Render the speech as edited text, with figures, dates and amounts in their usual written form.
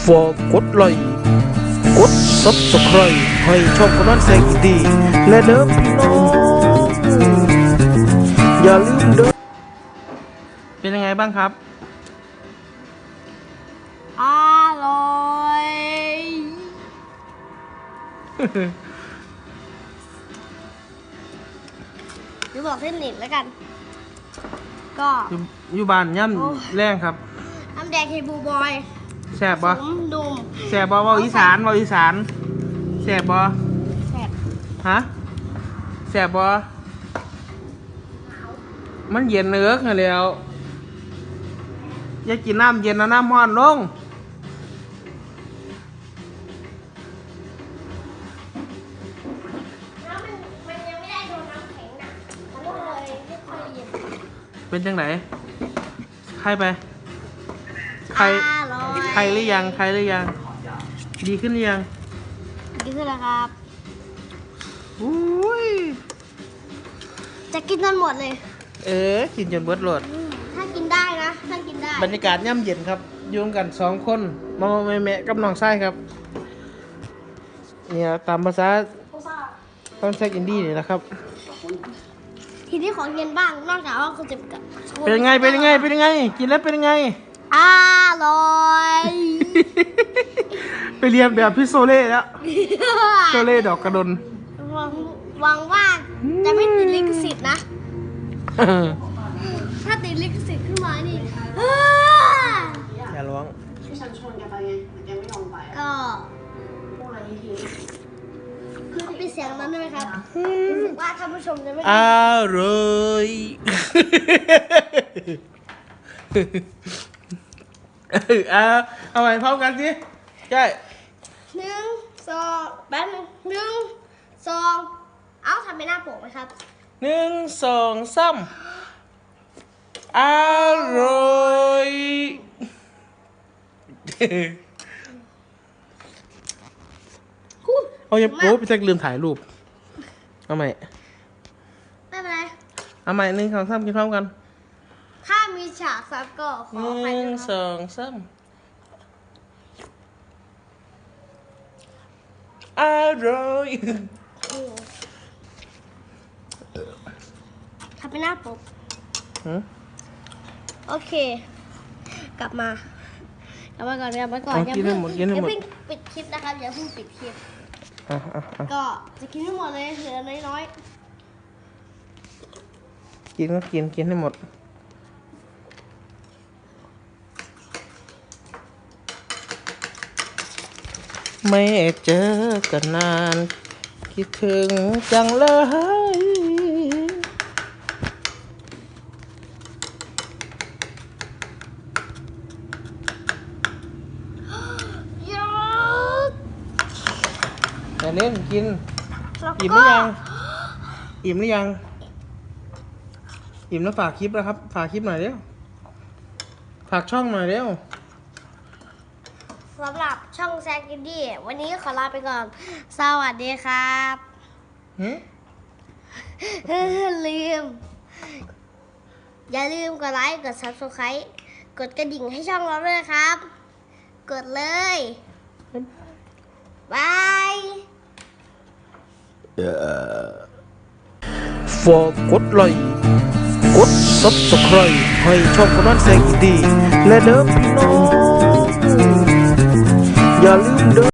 ฝากกดไลค์กด Subscribe ให้ช่องกำนันแสงอินดีและเด้อพี่น้องอย่าลืมเด้อเป็นยังไงบ้างครับอร่อยดูบอกเส้นหนิดแล้วกัน ก็อยู่บ้านย่ำแรงครับน้ำแดงเฮบูบอยแซ่บบ่ดุมแซ่บบ่เว้าอีสานแซ่บบ่แซ่บฮะแซ่บบ่มันเย็นเนื้อกันแล้วอย่ากินน้ำเย็นนะน้ำร้อนลงมันยังไม่ได้โดนน้ำแข็งนะมันก็เลยไม่ค่อยเย็นเป็นจังไหนใครไปใครหรือยังดีขึ้นหรือยังดีขึ้นแล้วครับอุ้ยจะกินจนหมดเลยกินจนเบิดโหลดถ้ากินได้นะถ้ากินได้บรรยากาศย่ำเย็นครับอยู่กัน2 คนมาแม่กับน้องไส้ครับเนี่ยตามภาษาต้องใช้อินดี้นี่นะครับทีนี้ของเย็นบ้างนอกจากว่าคุณจะเป็นยังไงกินแล้วเป็นยังไงอร่อยไปเรียนแบบพี่โซเล่แล้วโซเล่ดอกกระดนหวังว่าจะไม่ติดลิขสิทธิ์นะถ้าติดลิขสิทธิ์ขึ้นมานี่อย่าร้องที่ฉันชวนแกไปไงแต่แกไม่ยอมไปก็พูดอะไรทีคือเป็นเสียงนั้นได้ไหมครับรู้สึกว่าท่านผู้ชมจะไม่อร่อยเอาใหม่พร้อมกันสิใช่ 1 2แป๊บนึง1 2เอาทำเป็นหน้าปกไหมครับ 1 2 3อร่อยเอาอย่าโป๊พี่แจ็คลืมถ่ายรูปเอาใหม่ไม่เป็นไรเอาใหม่1 2 3กินพร้อมกันถ้ามีฉากซับก็ขอไป 1 2 3อร่อยทำเป็นหน้าปกโอเคกลับมาก่อนอย่าเพิ่งปิดคลิปนะครับอย่าเพิ่งปิดคลิปก็จะกินให้หมดเลยเหลือน้อยๆกินให้หมดไม่เจอกันนานคิดถึงจังเลยแต่เล่นกินอิ่มหรือยังอิ่มแล้วฝากคลิปแล้วครับฝากคลิปหน่อยเร็วฝากช่องหน่อยเร็วสำหรับช่องแซกกินดี้วันนี้ขอลาไปก่อนสวัสดีครับอย่าลืมกดไลค์กด Subscribe กดกระดิ่งให้ช่องเราด้วยนะครับกดเลยบายฝากกดไลค์กด Subscribe ให้ช่องกำนันแสงอินดีและเด้อพี่น้องอย่าลืมเด้อ